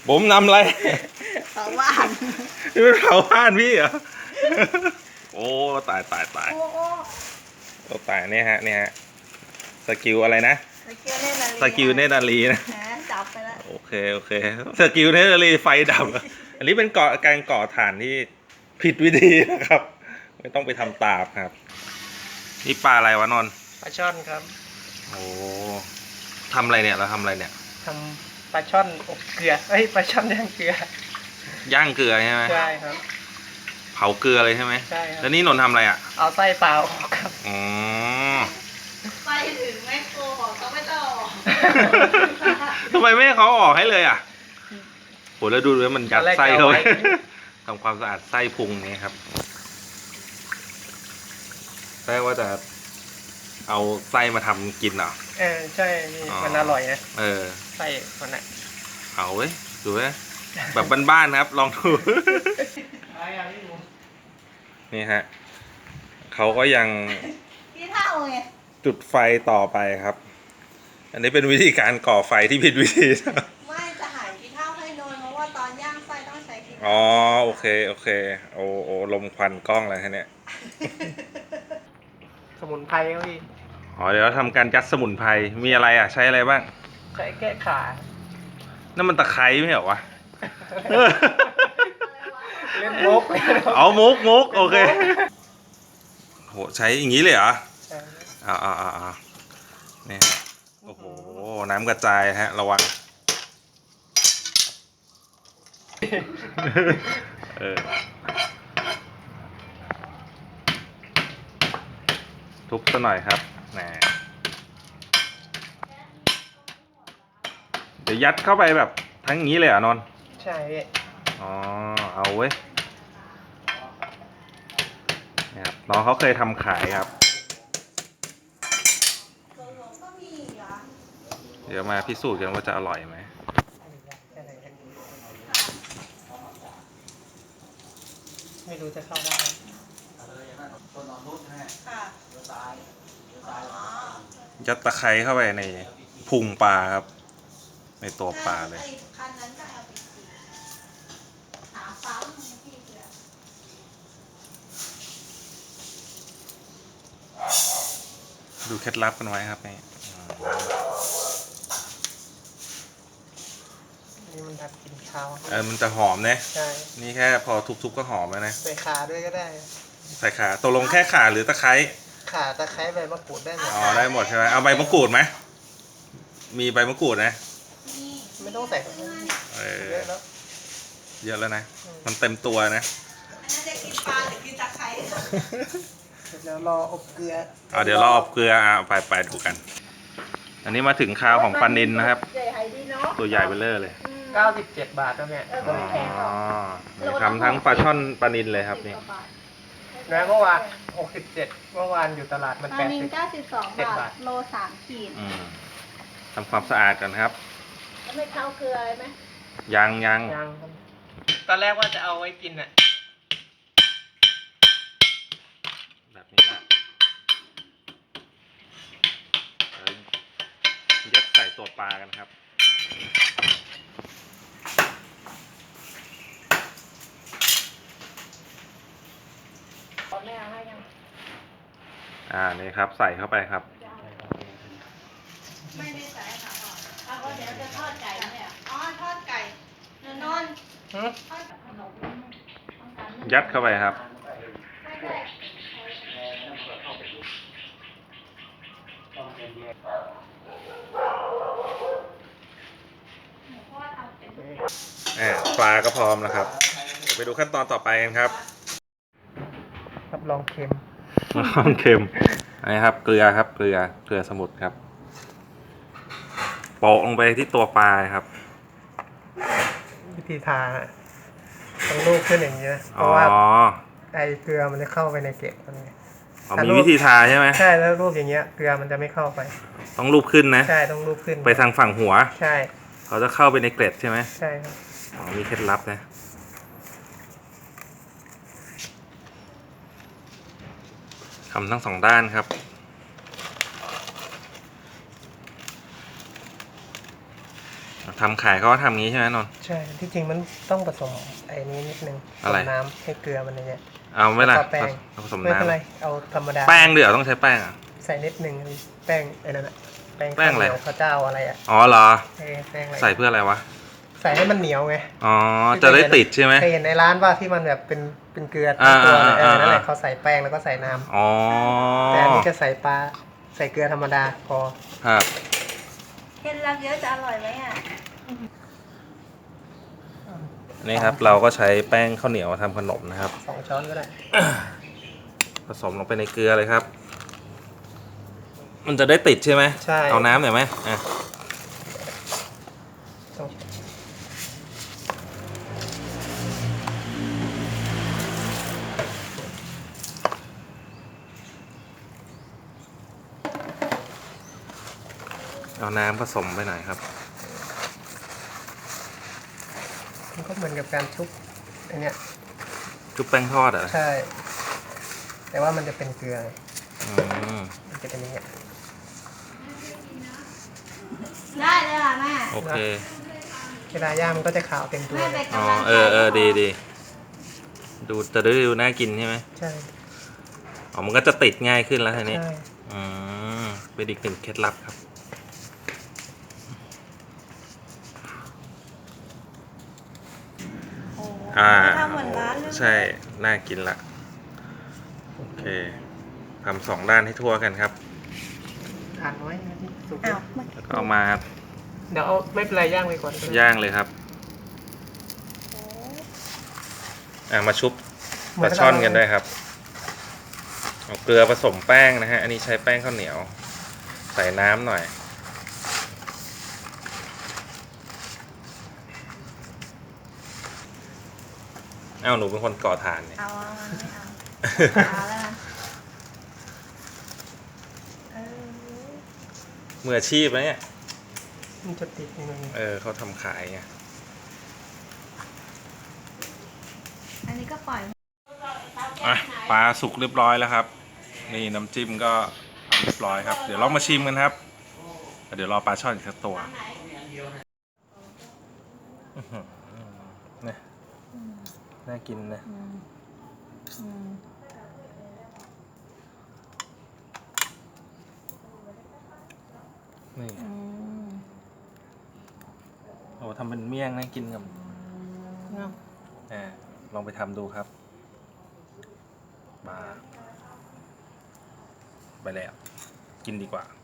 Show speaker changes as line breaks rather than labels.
ผมนำอะไร
เผาบ้าน
นี่เป็นเผาบ้านพี่เหรอโอ้ตาย
โอ้โอ้
โอ้ตายเนี่ยฮะสกิลอะไรนะ
สกิลเนตรนารี
สกิลเนตรนารีนะ
แหมจับไปแล้ว
โอเคสกิลเนตรนารีไฟดับอันนี้เป็นการก่อถ่านที่ผิดวิธีนะครับไม่ต้องไปทำตามครับนี่ปลาอะไรวะนนท์
ปลาช่อนครับ
โอ้ทำอะไรเนี่ยเราทำอะไรเนี่ย
ทำปลาช่อนอบเกลือปลาช่อนย่างเกลื
ย่างเกลือใช่ไหม
ใช่ครับ
เผาเกลือเลยใช่ไหม
ใช่ครับ
แล้วนี่นนท์ทำอะไรอ่ะ
เอาไส้เปล่าออกครับ
อ๋อ
ไปถึงแม่โคบอกเขาไม่ต้องออก
ทำไมไม่ให้เขาออกให้เลยอ่ะโหแล้วดูเลยมันยัดไส้เขาทำความสะอาดไส้พุงนี้ครับแปลว่าจะเอาไส้มาทำกินเหรอ
ใช่มันอร่อยนะไส้มันอ่ะ
เอาเว้ยดูเว้ยแบบบ้านๆนะครับลองดูนี่ฮะเขาก็ยังจุดไฟต่อไปครับอันนี้เป็นวิธีการก่อไฟที่ผิดวิธี
ไม่จะหายขี้เถ้าให้นนเพราะว่าตอนย่างไส้ต้องใช้ขี้เถ้า
อ๋อโอเคโอ้ลมควันกล้องอะไรฮะเนี่ย
สมุนไพรครับพี่
อ๋อเดี๋ยวเราทำการยัดสมุนไพรมีอะไรอ่ะใช้อะไรบ้าง
ใช้แก้ขา
นั่นมันตะไคร้ไม่เหรอวะ
เล่นมุก
เอามุกโอเคโหใช้อย่างนี้เลยเหรอนี่โอ้โหน้ำกระจายฮะระวังทุบซะหน่อยครับเดี๋ยวยัดเข้าไปแบบทั้งนี้เลยเหรอนนท์
ใช่
อ๋อเอาเว้ยนี่ครับน้องเขาเคยทำขายครับเดี๋ยวมาพิสูจน์กันว่าจะอร่อยไหม
ไม่รู้จะเข้าได้
ยัดตะไคร้เข้าไปในพุงปลาครับในตัวปลาเลยดูเคล็ดลับกันไว้ครับนี่
มันทำกินข้าว
มันจะหอมนะ
ใช่
นี่แค่พอทุบๆก็หอมแล้วนะ
ใส่ขาด้วยก็ได้
ใส่ขาตกลงแค่ขาหรือตะไคร้
ขาตะไคร้ใบมะกรูดได้หมด
ได้หมดใช่ไหมเอาใบมะกรูดไหมมีใบมะกรูดนะ
ไม่ต้องใส่เยอะแล้ว
เยอะแล้วนะมันเต็มตัวนะ
อันนั้นจะกินปลาหรือกินตะไคร้
เดี๋ยวรออบเกลือ
เดี๋ยวรออบเกลือไปดูกันอันนี้มาถึงคราวของปลานิลนะครับตัวใหญ่เบ้อเลย
97 บาทแล้วเนี่ย
ทำทั้งปลาช่อนปลานิลเลยครับนี่
แล้วเมื่อวาน67เมื่อวานอยู่ตลาดมัน
ปลานิล92 บาทโล3 ขีด
ทำความสะอาดกันครับ
แล้วไม่เข้าเกลือเลยไหม
ยัง
ตอนแรกว่าจะเอาไว้กินอ่ะ
แบบนี้แหละยัดใส่ตัวปลากันครับนี่ครับใส่เข้าไปครับ
ไม่ได้ใส่ค่ะพ่อเดี๋ยวจะทอดไก่เนี่ยทอดไก่นนท์
ยัดเข้าไปครับปลาก็พร้อมแล้วครับเดี๋ยวไปดูขั้นตอนต่อไปกันครับ
รับรองเค็ม
นี่ครับเกลือครับเกลือสมุทรครับโปะลงไปที่ตัวปลาครับ
วิธีทาต้องลูบขึ้นอย่างนี้นะเพราะว่าไอเกลือมันจะเข้าไปในเกล็ดมัน
มีวิธีทาใช่ไหม
ใช่แล้วลูบอย่างเงี้ยเกลือมันจะไม่เข้าไป
ต้องลูบขึ้นนะ
ใช่ต้องลูบขึ้น
ไปทางฝั่งหัว
ใช่
เขาจะเข้าไปในเกล็ดใช่ไหม
ใช่ครับ
มีเคล็ดลับนะทำทั้ง2 ด้านครับทำขายเขาก็ทำงี้ใช่ไหมนนท์
ใช่ที่จริงมันต้องผสมไอ้นี้นิดนึงผ
อะไร
สมน้ำให้เกลือมันอย่างเงี้ย
เอาไม่ล่ะ
แล้วก็แป้ง
ผสม
ไม่เป็นไร
น้ำ
เอาธรรมดา
แป้งเดี๋ยวต้องใช้แป้งอ่ะ
ใส่นิดนึงแป้งไอ้นั่นอะแป้ง
แป้งอะไร
ข้าวเหนียวข้าวเจ้าอะไรอะ
อ๋อเหรอ
แป้งอะไร
ใส่เพื่ออะไรวะ
ใส่ให้มันเหนียวไง
อ๋อจะได้ติดใช่ไหม
เคยเห็นในร้านว่าที่มันแบบเป็นเกลือ
อ่า
ตัวเลย
อ่า
นั่นแหละ
อ่า
เขาใส่แป้งแล้วก็ใส่น้ำ
อ๋อ
แต่อันนี้จะใส่ปลาใส่เกลือธรรมดาพอ
ครับ
เคล็ดลับเยอะจะอร่อยไหมอ่ะ
นี่ครับเราก็ใช้แป้งข้าวเหนียวทำขนมนะครับ
2 ช้อนก็ได้
ผสมลงไปในเกลือเลยครับ มันจะได้ติดใช่ไหม
ใช่
เอาน้ำหน่อยไหมอ่ะ
สอง
เอาน้ำผสมไปหน่อยครับ
มันก็เหมือนกับการชุบอันเนี้ย
ชุบแป้งทอดเหรอ
ใช่ แต่ว่ามันจะเป็นเกลือ
อืม
มันจะเป็นอย่างเงี้ย
ได้เลยค่ะแม่
โอเค
เวลาย่างมันก็จะขาวเต็มตัว
แม่
เล
เป็
ย
น
อ๋อก
ำลังใจ
ดีดูจะได้ดูน่ากินใช่ไหม
ใช่
อ๋อมันก็จะติดง่ายขึ้นแล้วทีนี้
ใช่
อืมเป็นอีกหนึ่งเคล็ดลับครับ
โอ้
ท
ทำเหมือนร้านเลย
ใช่ น่ากินละ โอเคทำ2 ด้านให้ทั่วกันครับ
ทานน้อยนะที่สุก
อ้าวมัน
แล้วก็เอามา
เดี๋ยวเอาไม่เป็นไรย่างไปก่อน
ย่างเลยครับ มาชุบปลาช่อนกันด้วยครับ เอาเกลือผสมแป้งนะฮะ อันนี้ใช้แป้งข้าวเหนียว ใส่น้ำหน่อย อ้าวหนูเป็นคนก่อถ่านเนี่ย
เอาไม่เอาเอาแล้วนะเออ
มืออาชีพนะเนี่ย
มันจะติดยังไง
เขาทำขายไง
อันนี้ก็ปล่อย
อ่ะปลาสุกเรียบร้อยแล้วครับ นี่น้ำจิ้มก็ทำเรียบร้อยครับ เดี๋ยวลองมาชิมกันครับ เดี๋ยวรอปลาช่อนอีกสักตัวอื้อหือเนี่ยน่ากินนะนี่โอ้ทำเป็นเมี่ยงน่ากินกับลองไปทำดูครับมาไปแล้ว กินดีกว่า